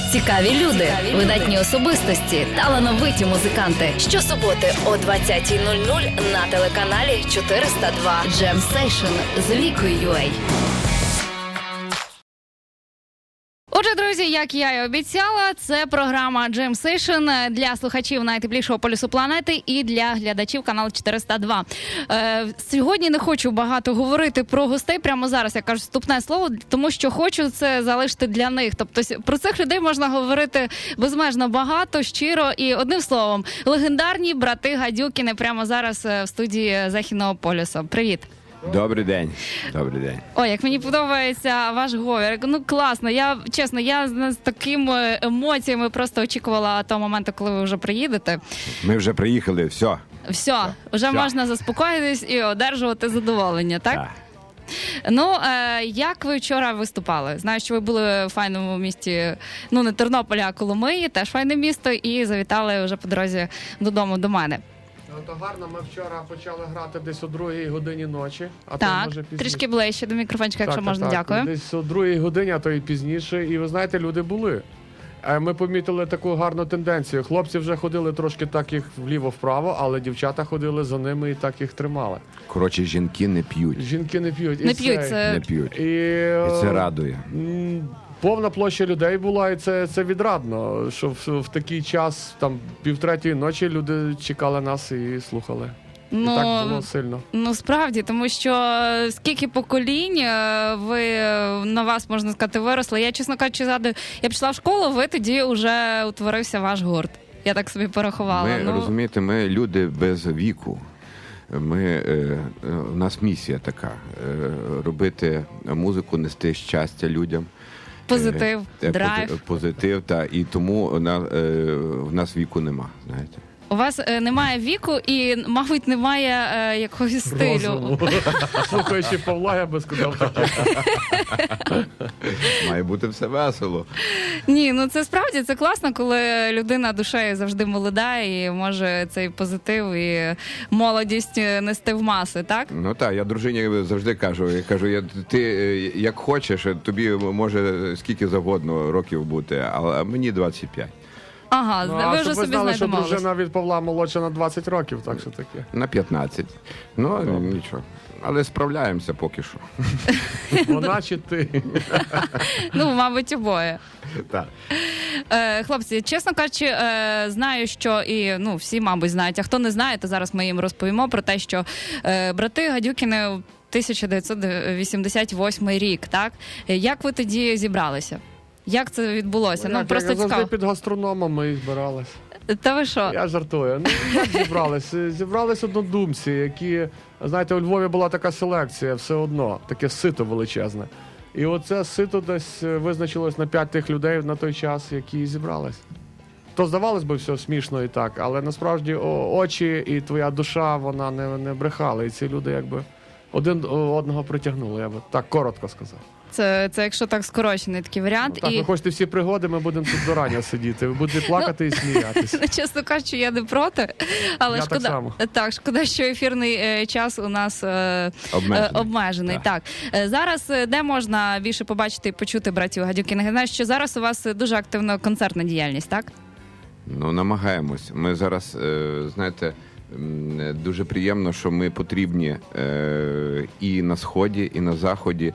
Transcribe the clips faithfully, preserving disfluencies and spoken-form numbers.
Цікаві люди, видатні особистості, талановиті музиканти. Щосуботи о двадцятій нуль нуль на телеканалі чотириста два. Jam Session з Вікою ю ей. Отже, друзі, як я і обіцяла, це програма Jam Session для слухачів найтеплішого полюсу планети і для глядачів каналу чотириста два. Е, сьогодні не хочу багато говорити про гостей прямо зараз, я кажу вступне слово, тому що хочу це залишити для них. Тобто про цих людей можна говорити безмежно багато, щиро і одним словом. Легендарні брати Гадюкіни прямо зараз в студії Західного полюсу. Привіт! Добрий день. Добрий день. Ой, як мені подобається ваш говор. Ну, класно. Я, чесно, я з такими емоціями просто очікувала того моменту, коли ви вже приїдете. Ми вже приїхали, все. Все, вже Все. можна заспокоїтись і одержувати задоволення, так? Так. Ну, е, як ви вчора виступали? Знаю, що ви були в файному місті, ну, не Тернополя, а Коломиї, теж файне місто, і завітали вже по дорозі додому до мене. Ну, то гарно, ми вчора почали грати десь о другій годині ночі, а то Так, може пізніше. трішки ближче до мікрофончика, якщо Так, можна, так, дякую. Десь о другій годині, а то і пізніше. І ви знаєте, люди були. Е, Ми помітили таку гарну тенденцію. Хлопці вже ходили трошки так їх вліво-вправо, але дівчата ходили за ними і так їх тримали. Коротше, жінки не п'ють. Жінки не п'ють. Не І п'ють, це- це... Не п'ють. І, І це радує. м, повна площа людей була, і це, це відрадно, що в, в такий час, там, півтретьої ночі люди чекали нас і слухали. І Ну, так було сильно. Ну, справді, тому що скільки поколінь е, ви е, на вас, можна сказати, виросли. Я, чесно кажучи, згадую, я пішла в школу, ви тоді вже утворився ваш гурт. Я так собі порахувала. Ми, ну, розумієте, ми люди без віку. Ми, е, е, у нас місія така е, робити музику, нести щастя людям. позитив, Е, драйв. пози- Позитив, та, і тому на, е, в нас віку нема, знаєте. У вас е, немає віку і, мабуть, немає е, якогось стилю. Розуму. Слухаючи Павла, я би сказав таке. Має бути все весело. Ні, ну це справді, це класно, коли людина душею завжди молода і може цей позитив і молодість нести в маси, так? Ну так, я дружині завжди кажу, я кажу, я, ти е, як хочеш, тобі може скільки завгодно років бути, а мені двадцять п'ять. Ага, Ну, ви а вже щоб ви собі знали, що знаєте мову. дружина від Павла молодша на двадцять років, так що таке. На п'ятнадцять. Ну, нічого. Але справляємося поки що. Вона чи ти? Ну, мабуть, обоє. Так. Е, хлопці, чесно кажучи, е, знаю, що і ну всі, мабуть, знають, а хто не знає, то зараз ми їм розповімо про те, що е, брати Гадюкіни тисяча дев'ятсот вісімдесят восьмий рік, так? Е, Як ви тоді зібралися? Як це відбулося? Ну, Як, просто як завжди цікаво. під гастрономом ми і збирались. Та ви що? Я жартую. Ну, як зібрались? Зібрались однодумці, які, знаєте, у Львові була така селекція все одно, таке сито величезне. І оце сито десь визначилось на п'ять тих людей на той час, які зібрались. То здавалось би все смішно і так, але насправді о, очі і твоя душа, вона не, не брехала. І ці люди якби один одного притягнули, я би так коротко сказав. Це, це якщо так скорочений такий варіант. Ну, так, і... ви хочете всі пригоди, ми будемо тут до рання сидіти. Ви будете плакати і сміятися. Ну, чесно кажучи, я не проти, але Я шкода, так само. так, шкода, що ефірний е, час у нас е, Обмежений. е, обмежений. Так. Е, зараз е, де можна більше побачити і почути братів Гадюкіних? Я знаю, що зараз у вас дуже активна концертна діяльність, так? Ну, намагаємось. Ми зараз, е, знаєте, м, дуже приємно, що ми потрібні е, і на Сході, і на Заході.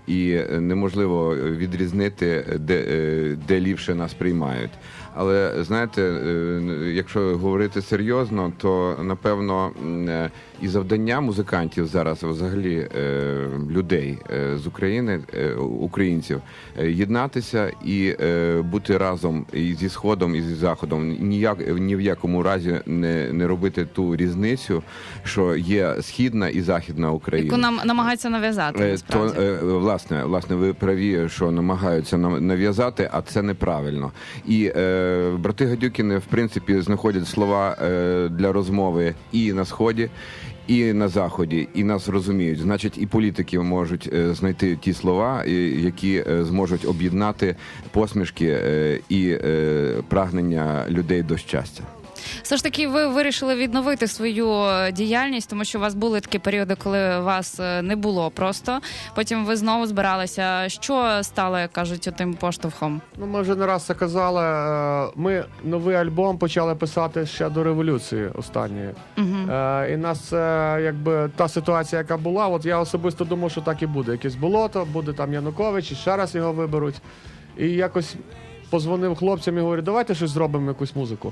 І неможливо відрізнити, де, е, де ліпше нас приймають. Але, знаєте, е, якщо говорити серйозно, то, напевно, м, е, і завдання музикантів зараз, взагалі, е, людей е, з України, е, українців, е, єднатися і е, бути разом і зі Сходом, і зі Заходом. Ніяк, ні в якому разі не, не робити ту різницю, що є Східна і Західна Україна. Яку нам намагаються нав'язати, Е, насправді. То, е, власне, власне, ви праві, що намагаються нам- нав'язати, а це неправильно. І е, брати Гадюкіни, в принципі, знаходять слова е, для розмови і на Сході, і на Заході, і нас розуміють. Значить, і політики можуть е, знайти ті слова, і- які е, зможуть об'єднати посмішки е, і е, прагнення людей до щастя. Все ж таки, ви вирішили відновити свою діяльність, тому що у вас були такі періоди, коли вас не було просто. Потім ви знову збиралися. Що стало, як кажуть, тим поштовхом? Ну, ми вже не раз це казали. е, Ми новий альбом почали писати ще до революції останньої. Угу. Е, І нас це якби та ситуація, яка була. От я особисто думав, що так і буде. Якесь болото, буде там Янукович, і ще раз його виберуть. І якось позвонив хлопцям і говорю, давайте щось зробимо, якусь музику.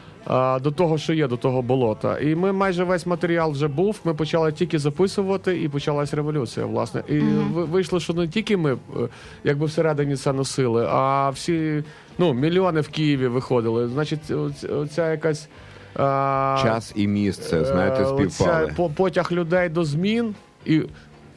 Е, До того, що є, до того болота. І ми майже весь матеріал вже був. Ми почали тільки записувати, і почалась революція, власне. І Мгм. ви- вийшло, що не тільки ми е, якби всередині це носили, а всі, ну, мільйони в Києві виходили. Значить, оць- оця якась а, Час і місце, знаєте, е, співпали. оця по- потяг людей до змін, і в-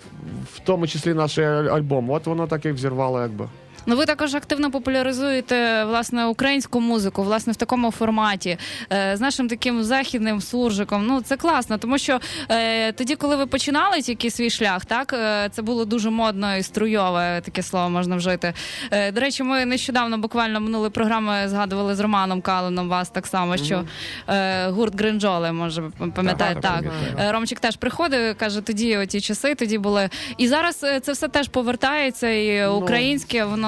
в тому числі наш аль- альбом. От воно так і взірвало, якби. Ну, ви також активно популяризуєте, власне, українську музику, власне, в такому форматі, е, з нашим таким західним суржиком. Ну, це класно, тому що е, тоді, коли ви починали тільки свій шлях, так, е, це було дуже модно і струйове, таке слово можна вжити. Е, до речі, ми нещодавно, буквально минулої програми, згадували з Романом Калином вас так само, що е, гурт Гринджоли, може, пам'ятаєте, Так, так. пам'ятаю. Е, Ромчик теж приходив, каже, тоді оті часи, тоді були. І зараз е, це все теж повертається, і Ну, українське, воно...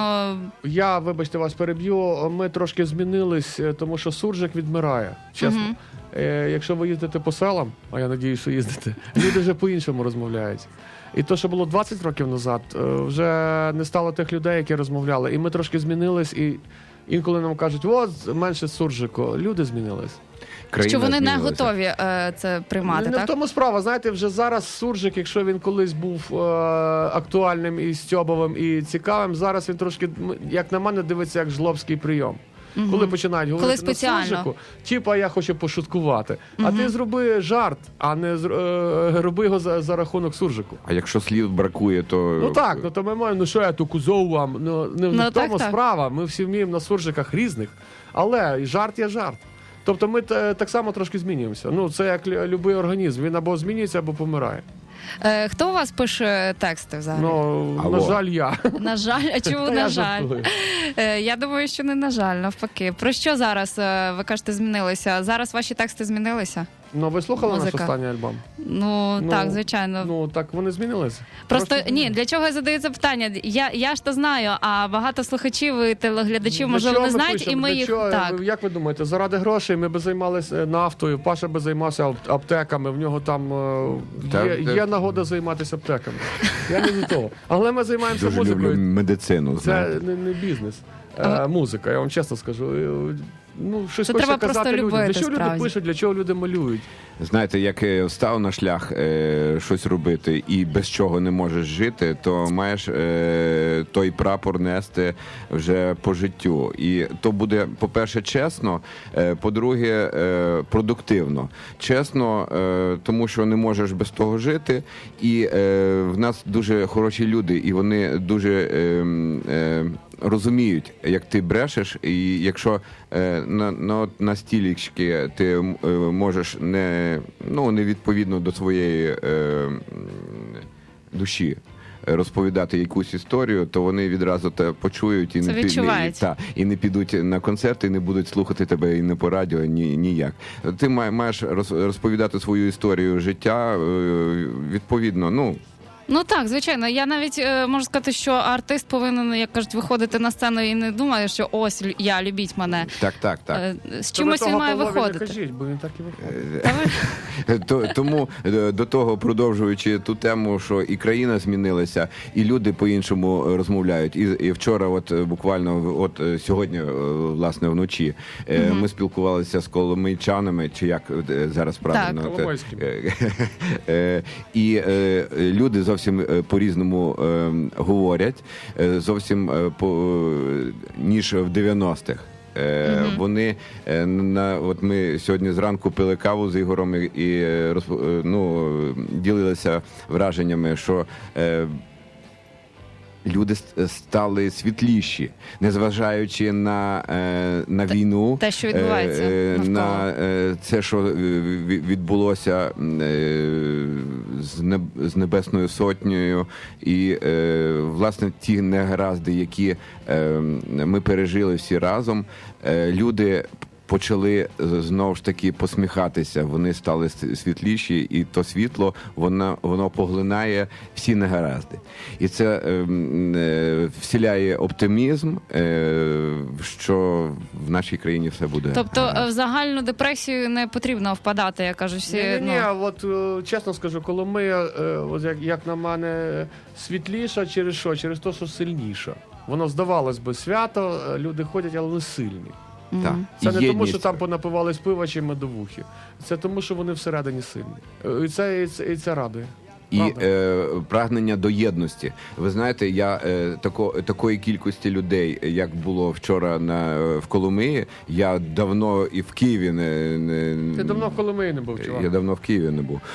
Я, вибачте, вас переб'ю, ми трошки змінились, е, тому що суржик відмирає, чесно. Мгм. Е, Якщо ви їздите по селам, а я надію, що їздите, люди вже по-іншому розмовляють. І то, що було двадцять років назад, е, вже не стало тих людей, які розмовляли. І ми трошки змінились, і інколи нам кажуть, от, менше суржику. Люди змінились. Країна Що вони не змінилася. готові е, це приймати, не, не так? в тому справа. Знаєте, вже зараз суржик, якщо він колись був е, актуальним і стьобовим, і цікавим, зараз він трошки, м, як на мене, дивиться як жлобський прийом. Мгм. Коли починають говорити Коли спеціально. на суржику, типа я хочу пошуткувати. А Мгм. ти зроби жарт, а не зр- е, роби його за, за рахунок суржику. А якщо слів бракує, то Ну так, ну то ми маємо, ну що я ту кузов вам, ну не Ну, в тому так, так. справа. Ми всі вміємо на суржиках різних, але і жарт є жарт. Тобто ми те- так само трошки змінюємося. Ну це як лю- любий організм. Він або змінюється, або помирає. Е, хто у вас пише тексти взагалі? Ну Алло. на жаль, я. На жаль, а чому Та на я жаль? жартую. Е, я думаю, що не на жаль, навпаки. Про що зараз, е, ви кажете, змінилися? Зараз ваші тексти змінилися? Ну ви слухали наш Музика. останній альбом? Ну, Ну, так, звичайно. Ну так вони змінилися. Просто Трошки ні, змінилися. для чого я задаю це питання? Я, я ж то знаю, а багато слухачів і телеглядачів, Для можливо, чого не ми знають, пишемо? і ми Для їх чого? так. Як ви думаєте, заради грошей ми би займалися нафтою, Паша би займався ап- аптеками, в нього там е, Та, є, та- є нагода займатися аптеками. Я не до того. Але ми займаємося дуже люблю музикою. медицину. Це Знаєте. не, не бізнес, е, Ага. музика, я вам чесно скажу. Е, Ну, щось Це хочеться треба просто казати людям. любити, Для чого справді. люди пишуть, для чого люди малюють? Знаєте, як е, встав на шлях е, щось робити і без чого не можеш жити, то маєш е, той прапор нести вже по життю. І то буде, по-перше, чесно, е, по-друге, е, продуктивно. Чесно, е, тому що не можеш без того жити. І е, в нас дуже хороші люди, і вони дуже е, е, розуміють, як ти брешеш, і якщо е, на, на, на стілічки ти е, можеш не, ну, не відповідно до своєї е, м, душі розповідати якусь історію, то вони відразу те почують і Це не, пі- не, і, відчувається. та, і не підуть на концерти, і не будуть слухати тебе і не по радіо, ні, ніяк. Ти має- маєш роз- розповідати свою історію життя е, відповідно, ну, Ну так, звичайно. Я навіть е, можу сказати, що артист повинен, як кажуть, виходити на сцену і не думає, що ось лю- я, любіть мене. так, так, так. Е, з То ви чимось він того має Павлові виходити. Не кажіть, бо він так і виходить. Та ви- То- Тому е, до того, продовжуючи ту тему, що і країна змінилася, і люди по-іншому розмовляють. І, і вчора, от е, буквально, от е, сьогодні, е, власне, вночі, е, Мгм. ми спілкувалися з коломийчанами, чи як е, зараз правильно? Так. Те- Коломойськими. е, е, І е, люди зовсім е, по-різному е, говорять, е, зовсім е, по, ніж в дев'яностих. Е, Мгм. Вони е, на от ми сьогодні зранку пили каву з Ігорем і, і е, розп- е, ну, ділилися враженнями, що е, люди ст- стали світліші, незважаючи на, е, на війну, те, що відбувається е, навколо. на е, це, що е, ві- відбулося е, з неб- з Небесною Сотнею, і е, власне ті негаразди, які е, ми пережили всі разом, е, люди почали е, знову ж таки посміхатися. Вони стали с- світліші, і то світло воно, воно поглинає всі негаразди. І це е, м, е, вселяє оптимізм, е, що в нашій країні все буде. Тобто гаразд. е, в загальну депресію не потрібно впадати, як кажуть всі. Ні, ні, ні, ну. от е, чесно скажу, Коломия, е, от як, як на мене, світліша через що? Через те, що сильніша. Воно здавалось би свято, е, люди ходять, але не сильні. Так. Це І не тому, єдність. що там понапивались пива чи медовухи. Це тому, що вони всередині сильні. Е, І це, і це, і це радує. І Правда? е, прагнення до єдності. Ви знаєте, я е, тако, такої кількості людей, як було вчора на в Коломиї, я давно і в Києві не, не Ти давно в Коломиї не був, чувак. я давно в Києві не був.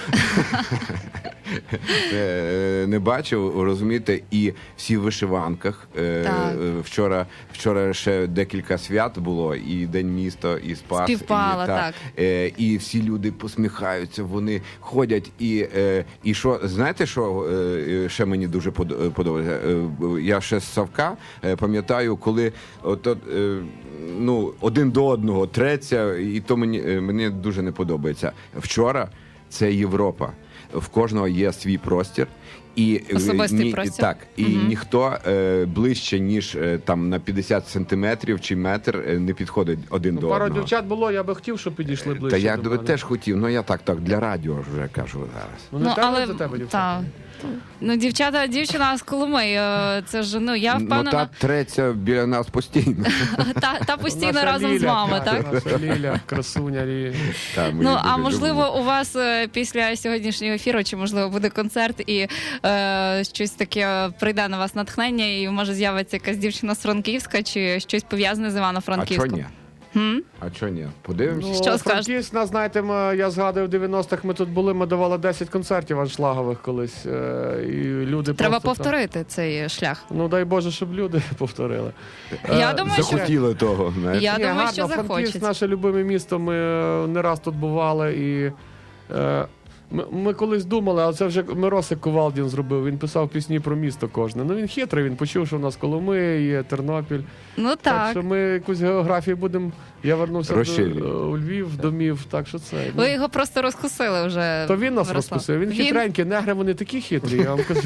Е, Не бачив, розумієте, і всі в вишиванках. Е, Так. е, Вчора, вчора ще декілька свят було, і День міста, і Спас. Співпало, і, так. Е, І всі люди посміхаються, вони ходять. І, е, і що, знаєте, що е, ще мені дуже подо- подобається? Е, Я ще з Савка е, пам'ятаю, коли от, от, е, ну, один до одного треться, і то мені, е, мені дуже не подобається. Вчора це Європа. В кожного є свій простір. І, е, Особистий простір. Так, і Мгм. ніхто е, ближче, ніж е, там на п'ятдесят сантиметрів чи метр е, не підходить один Ну, до пару одного. дівчат було, я би хотів, щоб підійшли ближче Та я до би мене. теж хотів, ну я так, так, для радіо ж вже кажу зараз. Ну, не Ну, тебе, але за тебе, дівчата. та. Ну, дівчата, дівчина з Коломиї, е, це ж ну я Ну впевнена, та треться біля нас постійно. та, та постійно Наша разом з Ліля, вами, так? Наша Ліля, красуня Ліля. Та, ми Ну її а дуже можливо, любимо. у вас е, після сьогоднішнього ефіру, чи можливо буде концерт, і е, щось таке прийде на вас натхнення, і може з'явиться якась дівчина з Франківська, чи щось пов'язане з А Івано-Франківськом? чого ні? Хм? А чого ні? Подивимося. Ну, Що скажете? Франківськ, нас, знаєте, ми, я згадую, в дев'яностих ми тут були, ми давали десять концертів аншлагових колись. е, І люди Треба просто там- повторити цей шлях. Ну дай Боже, щоб люди повторили. Я Е, думаю, що Захотіли того, знаєте. я Ні, думаю, гарно, що Франківськ захочеться. наше любиме місто. Ми е, не раз тут бували і. Е, ми, ми колись думали, але це вже Миросик Ковалдін зробив. Він писав пісні про місто кожне. Ну він хитрий, він почув, що в нас Коломия є, Тернопіль. Ну Так, так. що ми якусь географію будемо. Я вернувся до, Розширюємо. е, у Львів, домів, так що це. ну, Ви його просто розкусили вже. то він нас Мирослав. розкусив. Він, Він- хитренький, негри вони такі хитрі, я вам кажу.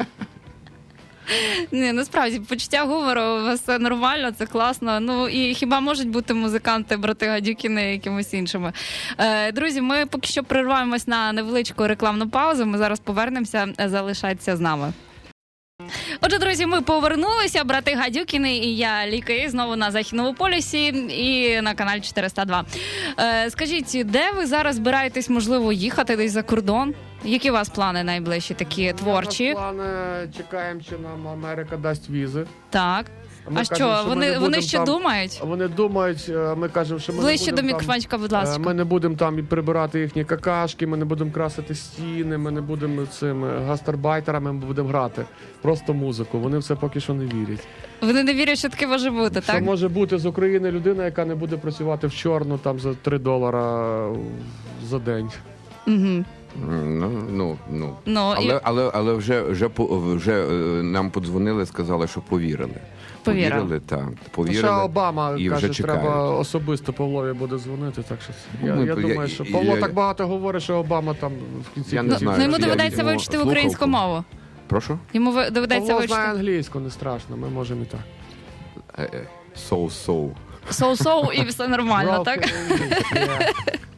Ні, насправді почуття гумору у вас все нормально, це класно. Ну і хіба можуть бути музиканти, брати Гадюкіни якимось іншими? Е, друзі, ми поки що прерваємось на невеличку рекламну паузу. Ми зараз повернемося. Залишайтеся з нами. Отже, друзі, ми повернулися. Брати Гадюкіни і я, Ліка, і знову на Західному полюсі і на каналі чотириста два. Е, скажіть, де ви зараз збираєтесь, можливо, їхати десь за кордон? Які у вас плани найближчі, такі творчі? Ми плани чекаємо, чи нам Америка дасть візи. Так. Ми А кажемо, що, ми вони, не вони будемо ще там- думають? Вони думають, е, ми кажемо, що ми Ближче не до будемо там, мікрофончика, будь е, ласка. ми не будемо там і прибирати їхні какашки, ми не будемо красити стіни, ми не будемо цими гастарбайтерами, ми будемо грати. Просто музику. Вони все поки що не вірять. Вони не вірять, що таке може бути, Що так? може бути з України людина, яка не буде працювати в чорну там за три долара за день. Угу. Ну, ну, ну. Ну, і Але, але, але вже, вже, по- вже е, нам подзвонили, сказали, що повірили. Повірили. Повірили, так. Ще Повірили. Обама і каже, вже чекають. треба особисто Павлові буде дзвонити. Так що це- я, Ну, я я- думаю, я- що я- Павло я- так багато говорить, що Обама там в кінці Я не ну, кінців- знаю, ну, йому чи я доведеться візьму вивчити слухавку. українську мову. Прошу? Йому ви- доведеться Павло знає вивчити англійську, не страшно, ми можемо і так. Е, е, Соу-соу. соу-соу і все нормально, так? Yeah.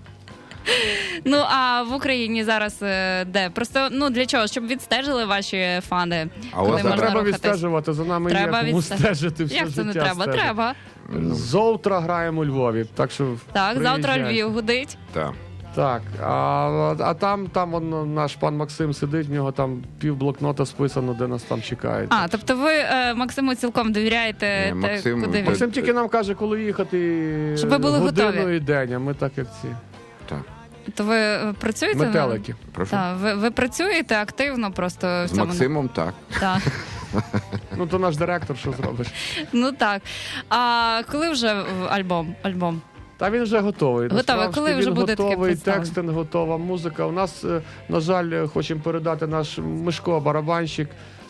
Ну а в Україні зараз е, де? Просто ну для чого? Щоб відстежили ваші фани. А Коли у вас Це можна треба рухатись? відстежувати, за нами Треба є кому відстежити. стежити все Як це життя. не треба? стежити. Треба. Ну, Завтра граємо у Львові, так що Так, завтра приїжджайте. Львів гудить. так. Так, а, а там, там он, наш пан Максим сидить, в нього там пів блокнота списано, де нас там чекають. А, тобто ви е, Максиму цілком довіряєте, Ні, те, Максим- куди він? Максим тільки нам каже, коли їхати Щоб ви були годину готові. і день, а ми так як ці Так. То ви е, працюєте? метелики. Прошу. Так, ви, ви працюєте активно просто в З цьому. Максимом так. Так. Ну то наш директор, що зробиш? Ну так. А коли вже в- альбом? Альбом? Та він вже готовий. Готовий. Насправді, Коли вже він буде таке готовий, представлено? текстинг готова, музика. У нас, е, на жаль, е, хочемо передати наш Мишко, барабанщик,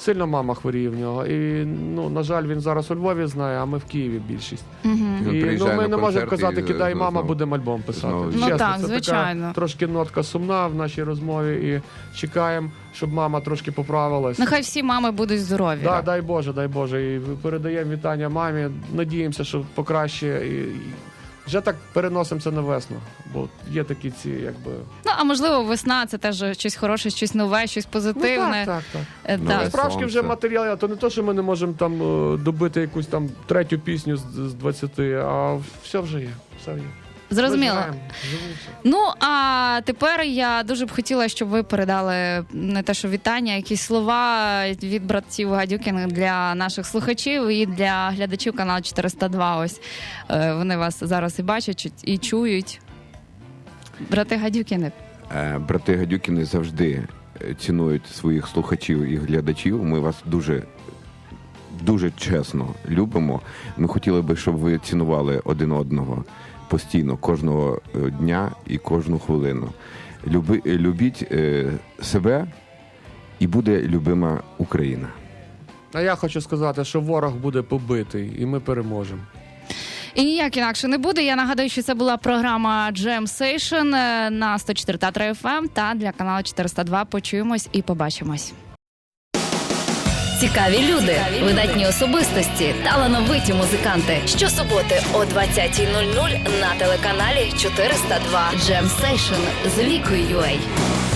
Сильно мама хворіє в нього. І, ну, на жаль, він зараз у Львові знає, а ми в Києві більшість. Угу. Він І, ну, приїжджає ми на не можемо концерти казати, і кидай знову- мама, будемо альбом писати. знову- Ну Чесно, так, це звичайно. така трошки нотка сумна в нашій розмові і чекаємо, щоб мама трошки поправилась. Нехай всі мами будуть здорові. Да, дай Боже, дай Боже. І передаємо вітання мамі. Надіємося, що покраще. І, і вже так переносимося на весну. Бо є такі ці, якби. Ну, а можливо, весна це теж щось хороше, щось нове, щось позитивне. Ну, так, так, так. Е, Нове так. Справжки сонце. вже матеріал, то не то, що ми не можемо там е, добити якусь там третю пісню з, з двадцяти, а все вже є. Все є. Зрозуміло. Ми живемо, живемо. Ну, а тепер я дуже б хотіла, щоб ви передали не те, що вітання, якісь слова від братців Гадюкіних для наших слухачів і для глядачів каналу чотириста два. Ось е, вони вас зараз і бачать, чуть- і чують. Брати Гадюкіни. Е, Брати Гадюкіни завжди е, цінують своїх слухачів і глядачів. Ми вас дуже, дуже чесно любимо. Ми хотіли би, щоб ви цінували один одного постійно, кожного е, дня і кожну хвилину. Люби, е, любіть е, себе, і буде любима Україна. А я хочу сказати, що ворог буде побитий, і ми переможемо. І ніяк інакше не буде. Я нагадую, що це була програма Jam Session е, на сто чотири та три еф ем та для каналу чотириста два. Почуємось і побачимось. Цікаві люди, видатні особистості, талановиті музиканти. Щосуботи о двадцятій нуль нуль на телеканалі чотириста два. Jam Session з Вікою ю ей.